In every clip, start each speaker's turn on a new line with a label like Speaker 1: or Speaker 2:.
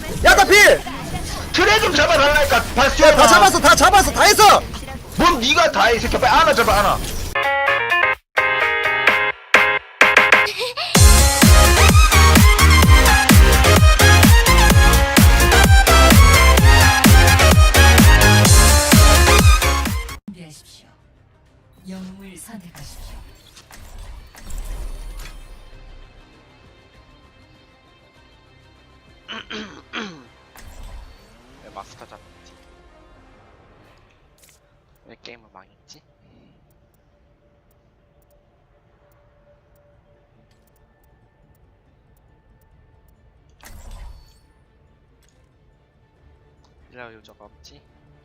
Speaker 1: 야다 필!
Speaker 2: 트레 좀 잡아달라니까 바스티온.
Speaker 1: 다 잡았어 다 했어!
Speaker 2: 뭔 니가 다 해 이 새끼야. 빨리 하나 잡아 하나.
Speaker 3: 준비하십시오. 영웅을 선택하십시오.
Speaker 4: 왜 마스터 잡았지? 왜 게임을 망했지? 일라 요저가 없지?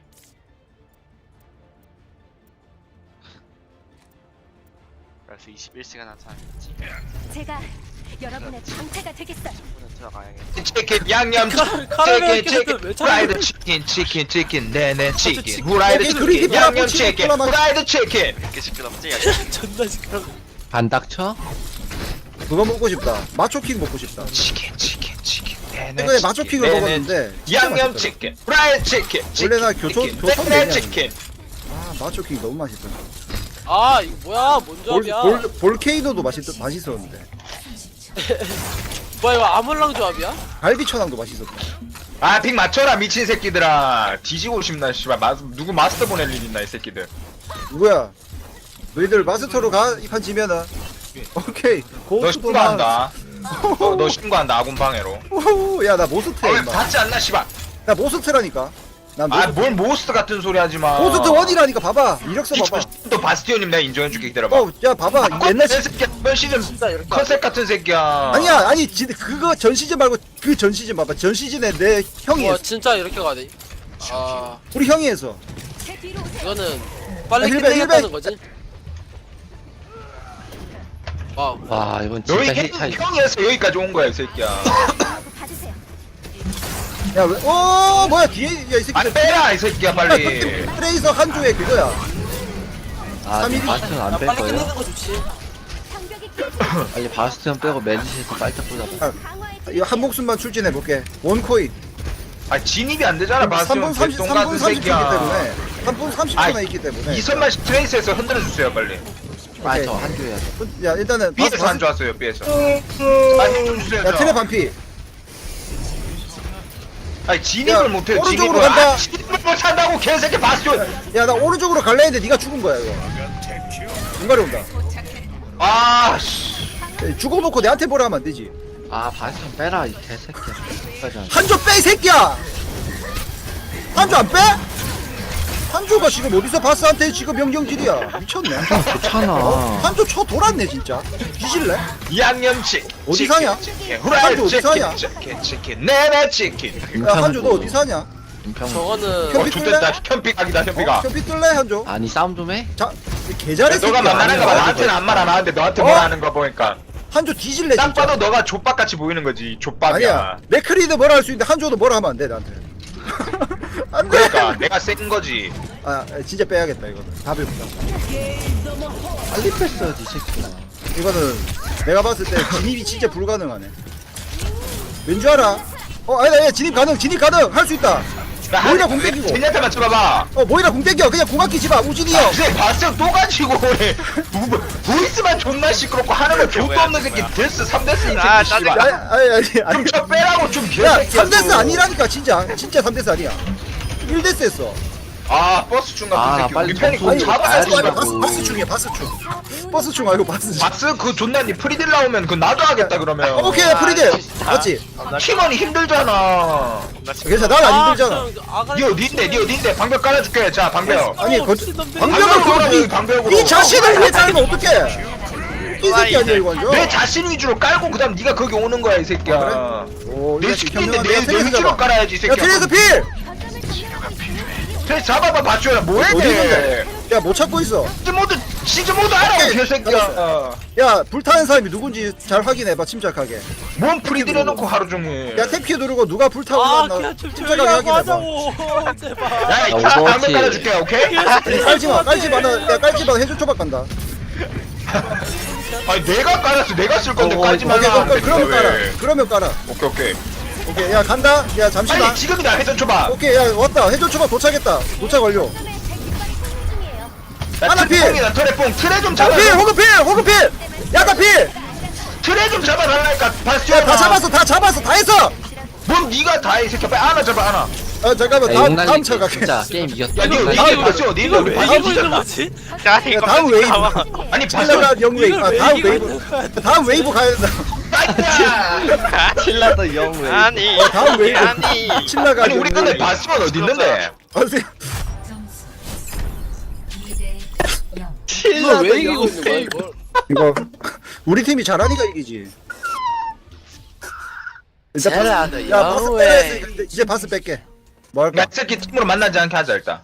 Speaker 4: 그래서 21시간 한 사람이지?
Speaker 5: 제가 여러분의 방패가 되겠어요.
Speaker 4: 친구는 들어가야겠지.
Speaker 2: 치킨 양념
Speaker 6: 카레
Speaker 2: 치킨
Speaker 6: 왜
Speaker 2: 치킨
Speaker 6: 찾는
Speaker 2: 후라이드
Speaker 6: 거야?
Speaker 2: 치킨 네네 치킨 후라이드
Speaker 1: 여기 그리기
Speaker 2: 치킨 양념
Speaker 1: 바라보고
Speaker 2: 치킨
Speaker 1: 치킨
Speaker 2: 후라이드 치킨.
Speaker 4: 이렇게 시끄럽지?
Speaker 6: 존나 시끄러워.
Speaker 7: 반닥쳐?
Speaker 1: 그거 먹고 싶다 마초킹 먹고 싶다
Speaker 2: 치킨 네네
Speaker 1: 최근에 마초킹을
Speaker 2: 네네.
Speaker 1: 먹었는데 진짜
Speaker 2: 양념
Speaker 1: 맛있더라.
Speaker 2: 치킨 후라이드 치킨
Speaker 1: 원래 나
Speaker 2: 치킨,
Speaker 1: 교촌
Speaker 2: 치킨,
Speaker 1: 교촌
Speaker 2: 네네
Speaker 1: 얘기하는
Speaker 2: 치킨.
Speaker 1: 아 마초킹 너무 맛있더라
Speaker 6: 아 이거 뭐야? 뭔 조합이야?
Speaker 1: 볼케이노도 맛있었는데
Speaker 6: 뭐야 이거 아몰랑 조합이야?
Speaker 1: 갈비천왕도 맛있었다
Speaker 2: 아픽 맞춰라 미친 새끼들아. 뒤지고 싶나 씨발. 누구 마스터 보낼 일 있나 이 새끼들.
Speaker 1: 누구야 너희들 마스터로 가 이 판 지면은 오케이
Speaker 2: 너
Speaker 1: 고수도
Speaker 2: 신고한다. 너 신고한다 아군 방해로.
Speaker 1: 야나 모스트야
Speaker 2: 왜
Speaker 1: 임마
Speaker 2: 받지 않나 씨발.
Speaker 1: 나 모스트라니까 난 모스트
Speaker 2: 아뭘 모스트 같은 소리 하지 마.
Speaker 1: 모스트 원이라니까 봐봐 이력서 봐봐
Speaker 2: 또 바스티온님 내가 인정해줄게 기다려봐.
Speaker 1: 야 봐봐 옛날 시
Speaker 2: 새끼야. 이번 시즌
Speaker 6: 진짜 이렇게
Speaker 2: 컨셉 같은 새끼야.
Speaker 1: 아니야 아니 그거 전 시즌 말고 그 전 시즌 봐봐 전 시즌에 내 형이
Speaker 6: 와
Speaker 1: 했어
Speaker 6: 진짜 이렇게 가네. 아
Speaker 1: 우리 형이 했어
Speaker 5: 제 뒤로 오세요.
Speaker 6: 이거는 빨리
Speaker 1: 아, 힐백,
Speaker 6: 끝내겠다는
Speaker 1: 힐백.
Speaker 6: 거지? 와
Speaker 7: 와 이건
Speaker 2: 너희
Speaker 7: 진짜
Speaker 2: 걔
Speaker 7: 차이.
Speaker 2: 형이 해서 여기까지 온 거야 이 새끼야.
Speaker 5: 하고 받으세요.
Speaker 1: 야왜 뭐야 뒤에 야이 새끼
Speaker 2: 안 빼라 이 새끼야 빨리.
Speaker 1: 트레이서 한조의 그거야
Speaker 7: 아
Speaker 1: 삼일이-
Speaker 7: 바스티온 안 뺄
Speaker 6: 빨리
Speaker 7: 거예요?
Speaker 6: 끝내는 거 좋지.
Speaker 5: 장벽이 깨졌어요.
Speaker 7: 빨리 바스티온 빼고 메디시에서 빨딱 꽂아봐.
Speaker 1: 아,
Speaker 5: 강화해
Speaker 1: 이거 한 목숨만 출진해 볼게 원코인
Speaker 2: 아 진입이 안 되잖아
Speaker 1: 3분
Speaker 2: 바스티온
Speaker 1: 30
Speaker 2: 개똥
Speaker 1: 3분
Speaker 2: 같은
Speaker 1: 30초 있기
Speaker 2: 새끼야.
Speaker 1: 때문에 3분 30초나
Speaker 2: 아이,
Speaker 1: 있기 때문에
Speaker 2: 이선만 트레이스에서 흔들어 주세요 빨리.
Speaker 1: 오케이.
Speaker 7: 아저 한조 해야 돼.
Speaker 1: 야 일단은
Speaker 2: B에서 안 좋았어요 B에서. 아힘좀 주세요.
Speaker 1: 야
Speaker 2: 저.
Speaker 1: 트레 반피
Speaker 2: 아니 진입을
Speaker 1: 야,
Speaker 2: 못해요
Speaker 1: 오른쪽으로
Speaker 2: 진입을.
Speaker 1: 간다.
Speaker 2: 아, 진입을 못한다고 개새끼 바스티온.
Speaker 1: 야 나 오른쪽으로 갈라 했는데 네가 죽은 거야 이거 중간에 온다
Speaker 2: 아 씨.
Speaker 1: 야, 죽어놓고 내한테 뭐라 하면 안 되지
Speaker 7: 아 바스티온 빼라 이 개새끼야. 끝까지 안 돼.
Speaker 1: 한조 빼 이 새끼야 한조 안 빼? 한조가 지금 어디서 바스한테 지금 명경질이야 미쳤네
Speaker 7: 좋잖아.
Speaker 1: 한조 쳐 돌았네 진짜 뒤질래?
Speaker 2: 양념치.
Speaker 1: 어디 사냐?
Speaker 2: 치킨,
Speaker 1: 한조
Speaker 2: 후라이드
Speaker 1: 어디 사냐?
Speaker 2: 치킨 네네 치킨.
Speaker 1: 야 한조 너 어디 사냐?
Speaker 7: 임평.
Speaker 6: 저거는
Speaker 1: 현-
Speaker 2: 좋됐다 현픽각이다 현픽아.
Speaker 1: 현피 뜰래 한조?
Speaker 7: 아니 싸움 좀 해?
Speaker 1: 자 개잘해
Speaker 2: 너가 만나는 거 봐. 나한테는 안 말 안 하는데 너한테
Speaker 1: 어?
Speaker 2: 말 하는 거 보니까
Speaker 1: 한조 뒤질래
Speaker 2: 딱
Speaker 1: 진짜
Speaker 2: 봐도 너가 족밥같이 보이는 거지 족밥이야.
Speaker 1: 아니야 맥크리도 뭐라 할 수 있는데 한조도 뭐라 하면 안 돼 나한테 안돼
Speaker 2: 그러니까 내가 센 거지.
Speaker 1: 아 진짜 빼야겠다 이거는 답이 없다
Speaker 7: 빨리 뺐어야지 이 새끼야.
Speaker 1: 이거는 내가 봤을 때 진입이 진짜 불가능하네 왠줄 알아? 아니다 야 진입 가능 할 수 있다 모이라 공 땡기고
Speaker 2: 쟤한테 맞춰봐봐.
Speaker 1: 모이라 공 땡겨 그냥 공 아끼지 마 우진이 형
Speaker 2: 쟤 봤어 또 가지고 그래. 보이스만 존나 시끄럽고 하는 거 족도 없는 새끼 데스 3데스 이
Speaker 4: 아,
Speaker 2: 새끼 씨발.
Speaker 1: 아니
Speaker 2: 좀저 빼라고 좀
Speaker 1: 야
Speaker 2: 개새끼야.
Speaker 1: 3데스 아니라니까 진짜 3데스 아니야 1데스 했어
Speaker 2: 아 버스 충
Speaker 7: 아,
Speaker 2: 같은 새끼.
Speaker 7: 빨리
Speaker 2: 우리 편이
Speaker 7: 점수
Speaker 2: 공
Speaker 1: 아니
Speaker 2: 잡아야
Speaker 7: 가야지.
Speaker 2: 돼.
Speaker 1: 바스 중이야 바스 충 말고 바스 충
Speaker 2: 바스 그 존나 니 프리딜 나오면 그 나도 하겠다 그러면.
Speaker 1: 오케이 프리딜 맞지?
Speaker 2: 팀원이 힘들잖아.
Speaker 1: 괜찮아 난 안 힘들잖아
Speaker 2: 니 어딘데 니 어딘데 방벽 깔아줄게. 자 방벽.
Speaker 1: 아니
Speaker 6: 미친놈들.
Speaker 1: 방벽을
Speaker 2: 방벽으로
Speaker 1: 이
Speaker 2: 방벽으로.
Speaker 1: 이 자신을 왜 깔면 어떡해 이 새끼 아니야 이거 완전
Speaker 2: 내 자신 위주로 깔고 그다음 네가 거기 오는 거야 이 새끼야.
Speaker 1: 아, 오,
Speaker 2: 내
Speaker 1: 이거
Speaker 2: 스킬인데
Speaker 1: 현명하네.
Speaker 2: 내
Speaker 1: 트레이서
Speaker 2: 위주로
Speaker 1: 잡아.
Speaker 2: 깔아야지 이
Speaker 1: 야
Speaker 2: 새끼야.
Speaker 1: 트레이서 필!
Speaker 2: 트레이서 잡아봐 맞춰라 뭐해
Speaker 1: 어디
Speaker 2: 쟤.
Speaker 1: 있는데? 야 못 찾고 있어
Speaker 2: 시즈 모드 알아
Speaker 1: 오케이,
Speaker 2: 이 개새끼야.
Speaker 1: 야 불타는 사람이 누군지 잘 확인해봐 침착하게
Speaker 2: 뭔 프리딜 해놓고 하루 종일.
Speaker 1: 야 탭키 누르고 누가 불타고
Speaker 6: 아
Speaker 1: 있나
Speaker 6: 그냥 좀
Speaker 1: 침착하게
Speaker 6: 조용히 하고
Speaker 1: 확인해봐
Speaker 6: 하자고. 제발.
Speaker 2: 야, 이
Speaker 7: 야,
Speaker 2: 방벽
Speaker 7: 오버워치.
Speaker 2: 깔아줄게, 오케이?
Speaker 1: 깔지마 깔지마 야 깔지마 해줄 초밥 간다
Speaker 2: 아니, 내가 깔았어. 내가 쓸 건데
Speaker 7: 어,
Speaker 2: 깔지
Speaker 1: 오케이
Speaker 2: 말라.
Speaker 1: 그러면 깔아
Speaker 2: 왜?
Speaker 1: 그러면 깔아
Speaker 2: 오케이, 오케이.
Speaker 1: 오케이 야 간다. 야 잠시만.
Speaker 2: 빨리 지금이다 회전 초밥.
Speaker 1: 오케이 야 왔다. 해줘 초밥 도착했다. 도착 완료.
Speaker 5: 요즘에 제 깃발이 성공 중이에요.
Speaker 1: 하나 필!
Speaker 2: 트레뽕이다 트레뽕. 트레 좀 잡아.
Speaker 1: 필 호그필 호그필. 야다 필.
Speaker 2: 트레 좀 잡아달라니까. 바스티온.
Speaker 1: 야다 잡았어 다 했어.
Speaker 2: 뭔 니가 다 해. 이 새끼야. 빨리 안아 잡아 안아.
Speaker 1: 아 잠깐만 다음 차 갈게.
Speaker 7: 진짜 게임 이겼다.
Speaker 2: 야 니가
Speaker 6: 이거
Speaker 2: 니가
Speaker 6: 왜-
Speaker 2: 바스티온
Speaker 6: 이거
Speaker 2: 니가
Speaker 6: 왜
Speaker 2: 왜
Speaker 6: 이기고 있는
Speaker 2: 바스티온
Speaker 6: 거지?
Speaker 4: 야
Speaker 1: 야,
Speaker 4: 이거
Speaker 1: 다음 웨이브.
Speaker 2: 아니
Speaker 1: 칠라가
Speaker 2: 바스티온.
Speaker 1: 영 웨이브.
Speaker 6: 이걸
Speaker 1: 아,
Speaker 6: 왜
Speaker 1: 다음
Speaker 6: 이기고
Speaker 1: 웨이브. 다음 웨이브 가야 된다.
Speaker 2: 아이야.
Speaker 7: 칠라도 영웨이.
Speaker 4: 아니
Speaker 1: 다음 웨이브.
Speaker 4: 아니
Speaker 1: 칠라가
Speaker 2: 아니 우리 근데 바스티온 어디 있는데?
Speaker 1: 어디?
Speaker 3: 점수 2대 0.
Speaker 6: 이걸 왜 이기고 있는 거야 이걸?
Speaker 1: 이거 우리 팀이 잘하니까 이기지. 일단
Speaker 7: 칠라도
Speaker 1: 야 바스
Speaker 7: 영웨이.
Speaker 1: 빼야 했으니까 이제 바스 뺄게. 뭐 할까?
Speaker 2: 야 새끼 팀으로 만나지 않게 하자 일단.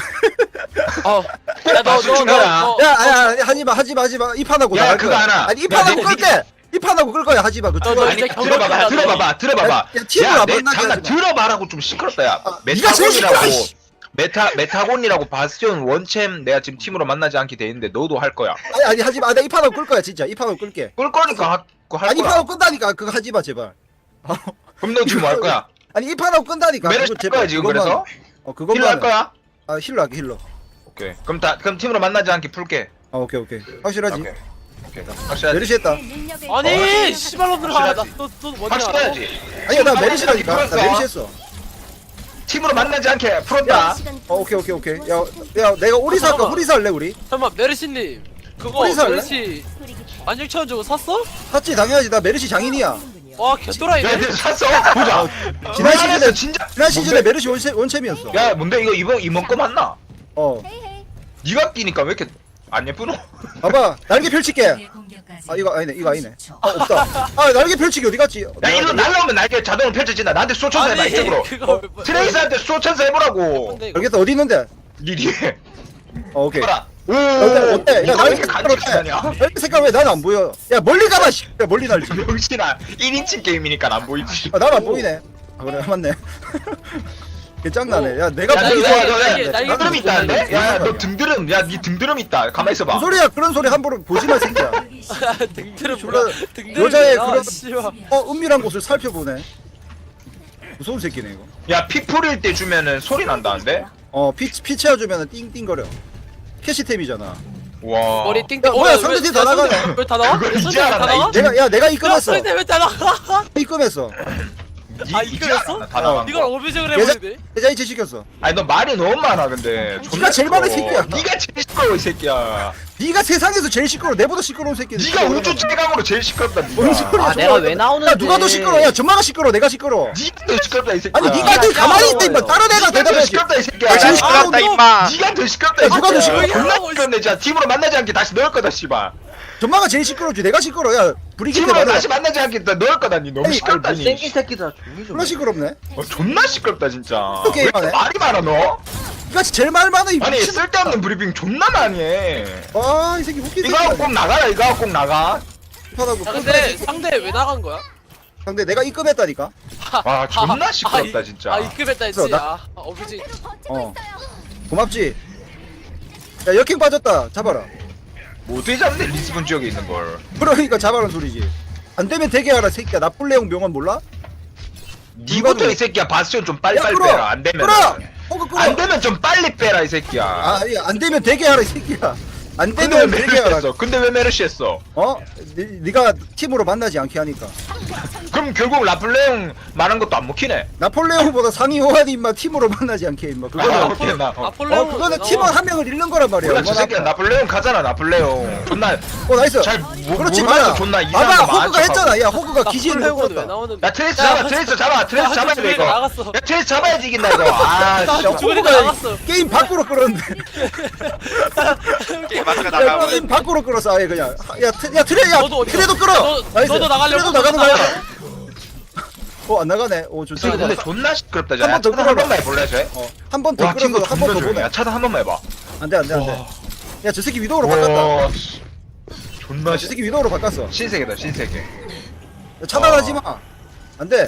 Speaker 6: 야너너너
Speaker 2: 죽여라.
Speaker 1: 야 하지마 입판하고
Speaker 2: 야,
Speaker 1: 나갈
Speaker 2: 그거
Speaker 1: 거야.
Speaker 2: 알아.
Speaker 1: 아니
Speaker 2: 야,
Speaker 1: 입판하고
Speaker 2: 내-
Speaker 1: 끌게. 입판하고 끌 거야 하지마. 그
Speaker 6: 너
Speaker 1: 거.
Speaker 2: 아니
Speaker 6: 이제 경력
Speaker 2: 들어봐봐
Speaker 6: 끝났네.
Speaker 2: 들어봐봐.
Speaker 1: 야, 팀으로 안
Speaker 2: 내
Speaker 1: 만나게
Speaker 2: 잠깐
Speaker 1: 하지 마.
Speaker 2: 들어봐라고 좀 시끄럽다 야.
Speaker 1: 네가 제일 시끄러워,
Speaker 2: 메타곤이라고
Speaker 1: 씨.
Speaker 2: 메타곤이라고 바스티온 원챔 내가 지금 팀으로 만나지 않게 돼 있는데 너도 할 거야.
Speaker 1: 아니 하지마. 내가 입판하고 끌 거야 진짜. 입판하고 끌게.
Speaker 2: 끌 거니까 할
Speaker 1: 아니
Speaker 2: 거야.
Speaker 1: 입판하고 끈다니까 그거 하지마 제발.
Speaker 2: 그럼 너 지금 뭐 할 거야?
Speaker 1: 아니 입판하고 끈다니까.
Speaker 2: 메르시
Speaker 1: 그거
Speaker 2: 할 거야 지금
Speaker 1: 그것만.
Speaker 2: 그래서?
Speaker 1: 그것만.
Speaker 2: 힐러 할 거야?
Speaker 1: 아 힐러 할게 힐러.
Speaker 2: 오케이. 그럼 팀으로 만나지 않게 풀게.
Speaker 1: 아 오케이 확실하지.
Speaker 2: 오케이. 확실하지.
Speaker 1: 메르시 했다.
Speaker 5: 제 능력을
Speaker 6: 아니 씨발놈들아
Speaker 2: 확실하지.
Speaker 6: 나너 먼저 알아.
Speaker 2: 확실하지.
Speaker 1: 아니야 나 메르시라니까. 나
Speaker 2: 풀었어.
Speaker 1: 메르시 했어.
Speaker 2: 팀으로 만나지 않게 풀었다.
Speaker 1: 오케이. 야 내가 오리사 할까?
Speaker 6: 잠깐만.
Speaker 1: 오리사 할래 우리?
Speaker 6: 잠깐만 메르시님 그거
Speaker 1: 어디서 할래?
Speaker 6: 메르시 16,000원 주고 샀어?
Speaker 1: 샀지 당연하지. 나 메르시 장인이야.
Speaker 6: 와 개또라이네.
Speaker 2: 야, 근데 샀어. 보자.
Speaker 1: 지난
Speaker 2: 우리 안에서
Speaker 1: 시즌에
Speaker 2: 진짜.
Speaker 1: 지난 시즌에 메르시 원챔이었어.
Speaker 2: 야, 뭔데 이거 이번 거 맞나?
Speaker 1: 어
Speaker 5: 헤이헤이.
Speaker 2: 네가 끼니까 왜 이렇게 안 예쁘노?
Speaker 1: 봐봐 날개 펼칠게.
Speaker 3: 공격까지
Speaker 1: 아 이거 아니네
Speaker 3: 30초.
Speaker 1: 없다. 아 날개 펼치기 어디 갔지?
Speaker 2: 야, 일로 날라오면 날개 자동으로 펼쳐진다. 나한테 쏘천사 해봐 이쪽으로.
Speaker 6: 그거
Speaker 2: 트레이스한테 쏘천사 해보라고.
Speaker 1: 알겠다 어디 있는데?
Speaker 2: 니리.
Speaker 1: 오케이.
Speaker 2: 봐라. 오.
Speaker 1: 어때? 야
Speaker 2: 이거 왜
Speaker 1: 날개
Speaker 2: 이렇게
Speaker 1: 색깔
Speaker 2: 간지나냐?
Speaker 1: 어때? 날개 색깔 왜 나는 안 보여? 야 멀리 가봐 씨. 야 멀리 날지.
Speaker 2: 명신아 1인칭 게임이니까 안 보이지.
Speaker 1: 아 나는 안 보이네. 아 그래 맞네. 개짱나네. 야 내가
Speaker 2: 야,
Speaker 1: 보기
Speaker 2: 너,
Speaker 1: 좋아.
Speaker 2: 너,
Speaker 6: 날개,
Speaker 2: 너,
Speaker 6: 날개
Speaker 2: 너 등드름 있다는데? 야, 너 등드름, 야, 니 등드름 있다. 가만 있어봐.
Speaker 1: 무슨 소리야? 그런 소리 함부로 보지 마 새끼야.
Speaker 6: 등드름
Speaker 1: 졸라
Speaker 6: 뭐야? 등드름
Speaker 1: 여자의 그런
Speaker 6: 씨발.
Speaker 1: 은밀한 곳을 살펴보네. 무서운 새끼네 이거.
Speaker 2: 야, 피 뿌릴 때 주면은 소리 난다는데?
Speaker 1: 피 채워주면 띵띵거려. 캐시템이잖아.
Speaker 2: 와.
Speaker 6: 머리 띵띵.
Speaker 1: 야, 뭐야, 상대팀 다 나가네.
Speaker 6: 왜다 나와?
Speaker 2: 그걸 이제
Speaker 6: 상대팀 다
Speaker 2: 알았나,
Speaker 6: 나와?
Speaker 2: 이제.
Speaker 1: 내가
Speaker 6: 야
Speaker 1: 입금했어.
Speaker 6: 상대 왜다 나가?
Speaker 1: 입금했어.
Speaker 6: 아,
Speaker 2: 이제
Speaker 6: 이거였어?
Speaker 2: 알았나, 다 나간
Speaker 6: 이걸
Speaker 2: 거.
Speaker 6: 어뷰징을
Speaker 1: 계좌
Speaker 6: 해버리네.
Speaker 1: 계좌이체 시켰어.
Speaker 2: 아니, 너 말이 너무 많아, 근데.
Speaker 1: 네가 제일 많은 새끼야.
Speaker 2: 니가 제일 시끄러워, 이 새끼야.
Speaker 1: 네가 세상에서 제일 시끄러워. 내보다 시끄러운 새끼.
Speaker 2: 니가 우주 최강으로 제일 시끄럽다,
Speaker 1: 뭔
Speaker 2: 니가.
Speaker 1: 소리야?
Speaker 7: 아, 내가 왜 나오는데?
Speaker 1: 야 누가 더 시끄러워? 야 전마가 시끄러워. 내가 시끄러워.
Speaker 2: 니가 더 시끄럽다, 이 새끼야.
Speaker 1: 아니 네가 더 가만히 있다 임마. 다른 애가
Speaker 2: 니가 더
Speaker 1: 대답해야지.
Speaker 2: 시끄럽다, 이 새끼야.
Speaker 1: 야, 제일
Speaker 4: 시끄럽다
Speaker 1: 시끄러운
Speaker 4: 임마.
Speaker 2: 니가 더 시끄럽다, 이
Speaker 1: 야, 누가 더
Speaker 2: 새끼야.
Speaker 6: 시끄러워?
Speaker 2: 존나 시끄럽네, 진짜. 팀으로 만나지 않게 다시 넣을 거다, 씨발.
Speaker 1: 전마가 제일 시끄러우지. 내가 시끄러워. 야 브리기테
Speaker 2: 팀으로
Speaker 1: 말해.
Speaker 2: 다시 만나지 않게 다 넣을 거다, 니 너무
Speaker 1: 아니,
Speaker 2: 시끄럽다,
Speaker 7: 아니,
Speaker 2: 니.
Speaker 7: 생긴 새끼들아 조용히 좀.
Speaker 1: 존나 시끄럽네.
Speaker 2: 존나 시끄럽다, 진짜.
Speaker 1: 또
Speaker 2: 왜 이렇게
Speaker 1: 게임하네?
Speaker 2: 말이 많아, 너?
Speaker 1: 네가 제일 말 많아 이
Speaker 2: 아니,
Speaker 1: 미친.
Speaker 2: 쓸데없는 브리핑 존나 많이 해.
Speaker 1: 아이 새끼 웃긴
Speaker 2: 이거 하고
Speaker 1: 새끼야.
Speaker 2: 꼭 나가라, 이거 하고 꼭 나가.
Speaker 1: 하다고.
Speaker 6: 야 근데 상대 왜 나간 거야?
Speaker 1: 상대 내가 입금했다니까.
Speaker 2: 와, 존나 시끄럽다, 진짜.
Speaker 6: 아 입금했다 했지.
Speaker 1: 그래서
Speaker 6: 아 어뷰징.
Speaker 5: 그대로 버티고
Speaker 1: 어.
Speaker 5: 있어요.
Speaker 1: 고맙지. 야 역행 빠졌다. 잡아라.
Speaker 2: 못해 잡네, 리스본 지역에 있는 걸.
Speaker 1: 그러니까 잡아라는 소리지. 안 되면 되게 하라 새끼야. 나폴레옹 명언 몰라?
Speaker 2: 니부터 이 새끼야, 바스tion 좀
Speaker 1: 야
Speaker 2: 빨리빨리
Speaker 1: 끌어.
Speaker 2: 빼라, 안 되면.
Speaker 1: 끌어. 호그 끌어.
Speaker 2: 안 되면 좀 빨리 빼라, 이 새끼야.
Speaker 1: 아니 안 되면 되게 하라 이 새끼야. 안
Speaker 2: 근데 왜
Speaker 1: 되면 되게
Speaker 2: 메르시
Speaker 1: 하라.
Speaker 2: 했어? 근데 왜 메르시 했어?
Speaker 1: 어? 네가 팀으로 만나지 않게 하니까.
Speaker 2: 그럼 결국 라플레옹 말한 것도 안 먹히네.
Speaker 1: 나폴레옹보다 상위 호환이 임마 팀으로 만나지 않게 임마.
Speaker 2: 아,
Speaker 1: 그거는
Speaker 2: 오케이, 나.
Speaker 6: 아폴레옹.
Speaker 1: 그거는 팀원 한 명을 잃는 거란 말이야.
Speaker 2: 몰라, 저
Speaker 1: 얼마나
Speaker 2: 새끼야,
Speaker 1: 아파.
Speaker 2: 나플레옹 가잖아, 나플레옹. 존나,
Speaker 1: 나이스.
Speaker 2: 잘
Speaker 1: 그렇지
Speaker 2: 모르면서
Speaker 1: 마라.
Speaker 2: 존나 이상한
Speaker 1: 봐봐
Speaker 2: 거 많은
Speaker 1: 호그가
Speaker 2: 척하고.
Speaker 1: 했잖아. 야 호그가 기지를 못
Speaker 6: 아폴레옹은 왜
Speaker 1: 떴다.
Speaker 6: 나오는데?
Speaker 2: 야, 트레이스 잡아, 트레이스 잡아, 트레이스 잡아야 돼, 이거.
Speaker 6: 나갔어.
Speaker 2: 야, 트레이스 잡아야지 이긴다, 이거. 아, 진짜.
Speaker 6: 죽으니까
Speaker 1: 호그가
Speaker 6: 나갔어.
Speaker 1: 게임 밖으로 끌었는데.
Speaker 4: 게임 마스가
Speaker 1: 야,
Speaker 4: 나가면
Speaker 1: 게임 밖으로 끌었어 아예 그냥. 야 트레 야
Speaker 6: 너도 어디가?
Speaker 1: 트레도 끌어. 나이스.
Speaker 6: 너도 나가려고?
Speaker 1: 트레도 나가는 거야. 안 나가네. 오 좋다.
Speaker 2: 지금 근데 존나 시끄럽다,
Speaker 1: 한번
Speaker 2: 야.
Speaker 1: 더
Speaker 2: 차단 한
Speaker 1: 끌어봐.
Speaker 2: 번만 해볼래, 쟤?
Speaker 1: 한 번 더
Speaker 2: 와, 친구
Speaker 1: 끌어서 한 번
Speaker 2: 존나
Speaker 1: 더
Speaker 2: 조용해.
Speaker 1: 보내.
Speaker 2: 야, 차단 한 번만 해봐.
Speaker 1: 안돼 안돼 안돼. 야 저 새끼 위도우로 바꿨다.
Speaker 2: 와, 씨. 존나
Speaker 1: 저 새끼 위도우로 바꿨어.
Speaker 2: 신세계다, 신세계.
Speaker 1: 야, 차단하지 마. 안돼.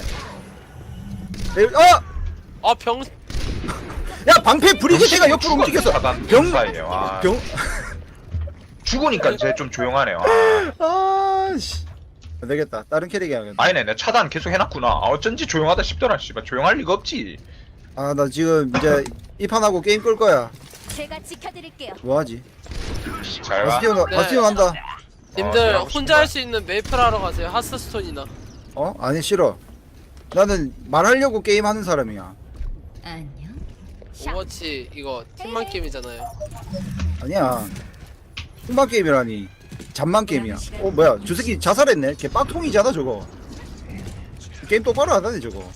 Speaker 1: 어!
Speaker 6: 아 병.
Speaker 1: 야 방패 브리기테가 옆으로 움직였어.
Speaker 2: 차단
Speaker 1: 병.
Speaker 2: 사이에요. 아,
Speaker 1: 병.
Speaker 2: 죽으니까 쟤 좀 조용하네요. 아.
Speaker 1: 아씨. 안 되겠다. 다른 캐릭 해야겠다.
Speaker 2: 아니네 내 차단 계속 해놨구나. 어쩐지 조용하다 싶더라. 씨발 조용할 리가 없지.
Speaker 1: 아, 나 지금 이제 이 판하고 게임 끌 거야.
Speaker 5: 제가 지켜드릴게요.
Speaker 1: 뭐하지?
Speaker 2: 잘가.
Speaker 1: 바스티온,
Speaker 6: 네.
Speaker 1: 바스티온 간다.
Speaker 6: 님들
Speaker 2: 하고
Speaker 6: 혼자 할 수 있는 메이플 하러 가세요. 하스스톤이나.
Speaker 1: 어? 아니, 싫어. 나는 말하려고 게임 하는 사람이야.
Speaker 3: 안녕.
Speaker 6: 오버워치 이거 팀만 게임이잖아요.
Speaker 1: 아니야. humban 게임이라니. 잠만 게임이야. 어, 뭐야. 저 새끼 자살했네. 걔 빡통이잖아, 저거. 게임 똑바로 하다네, 저거.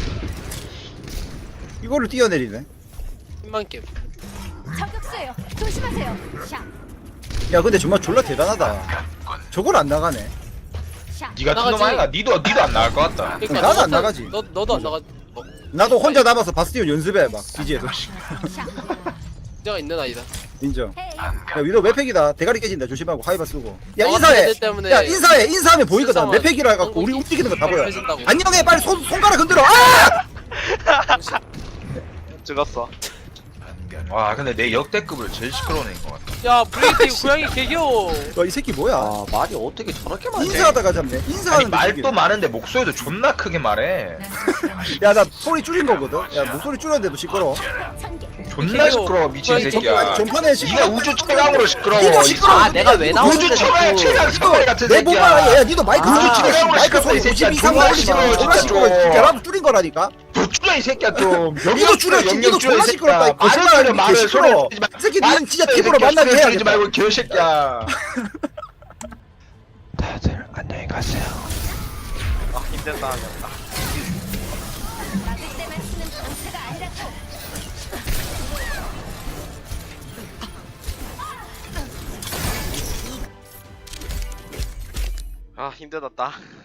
Speaker 1: 이거를 뛰어내리네.
Speaker 6: 팀만 게임.
Speaker 5: 저격수예요. 조심하세요. 샤.
Speaker 1: 야, 근데 정말 졸라 대단하다. 저걸 안 나가네.
Speaker 5: 샤.
Speaker 2: 니가
Speaker 6: 나가지.
Speaker 2: 티노 아이가 니도 안 나갈 것 같다.
Speaker 6: 그러니까
Speaker 1: 나도
Speaker 6: 너
Speaker 1: 안
Speaker 6: 같은-
Speaker 1: 나가지.
Speaker 6: 너도 안 나가.
Speaker 1: 나도 혼자 남아서 바스티온 연습해, 막. 기지에서.
Speaker 5: 샤.
Speaker 6: 문제가 있는 아이다.
Speaker 1: 인정.
Speaker 5: 헤이.
Speaker 1: 야, 위로 맵팩이다. 대가리 깨진다. 조심하고 하이바 쓰고. 야,
Speaker 6: 너 같은
Speaker 1: 인사해.
Speaker 6: 애들 때문에
Speaker 1: 야, 인사해. 인사하면 보이거든.
Speaker 6: 실상은
Speaker 1: 맵팩이라 해갖고 우리
Speaker 6: 한국이
Speaker 1: 움직이는 거 다 보여.
Speaker 6: 펴진다고.
Speaker 1: 안녕해. 빨리 손가락 흔들어. 아!
Speaker 4: 죽었어.
Speaker 2: 와 근데 내 역대급을 제일 시끄러운 애인 것 같다.
Speaker 6: 야 브레이크 고양이 개 귀여워.
Speaker 1: 이 새끼 뭐야?
Speaker 7: 아 말이 어떻게 저렇게 많지?
Speaker 1: 인사하다가 잡네.
Speaker 2: 아니
Speaker 1: 인사하는
Speaker 2: 말도 많은데 목소리도 존나 크게 말해.
Speaker 1: 야, 나 소리 줄인 거거든. 야, 목소리 줄였는데도 시끄러워.
Speaker 5: 천개.
Speaker 2: 존나 시끄러워 미친
Speaker 6: 고양이
Speaker 2: 새끼야.
Speaker 1: 전판에
Speaker 2: 니가
Speaker 1: 시끄러워.
Speaker 2: 우주 최강으로 시끄러워.
Speaker 1: 니도 시끄러워.
Speaker 7: 아 내가 왜 나오는데
Speaker 2: 우주 최강의 최강 성화리 같은
Speaker 1: 내
Speaker 2: 새끼야.
Speaker 1: 보마, 야, 니도 마이크
Speaker 7: 아,
Speaker 1: 소리 줄여. 마이크
Speaker 2: 시끄럽다,
Speaker 1: 소리
Speaker 2: 이 새끼야.
Speaker 1: 50 이상
Speaker 2: 존나
Speaker 1: 올리지 마.
Speaker 2: 시끄러워,
Speaker 1: 존나
Speaker 2: 진짜
Speaker 1: 시끄러워.
Speaker 2: 좀.
Speaker 1: 야, 나도 줄인 거라니까.
Speaker 2: 더 줄여 이 새끼야 좀.
Speaker 1: 니도 줄여. 니도 존나 시끄럽다. 이 거짓말하는 게 시끄러워. 이 새끼 니는 진짜 팀으로 만나게
Speaker 2: 해야지
Speaker 1: 해야겠다.
Speaker 2: 말고 개새끼야.
Speaker 7: 다들 안녕히 가세요.
Speaker 4: 아 힘들다 하겠다.
Speaker 5: 막을 때만 쓰는 방패가 아니라고.
Speaker 4: 아 힘들었다.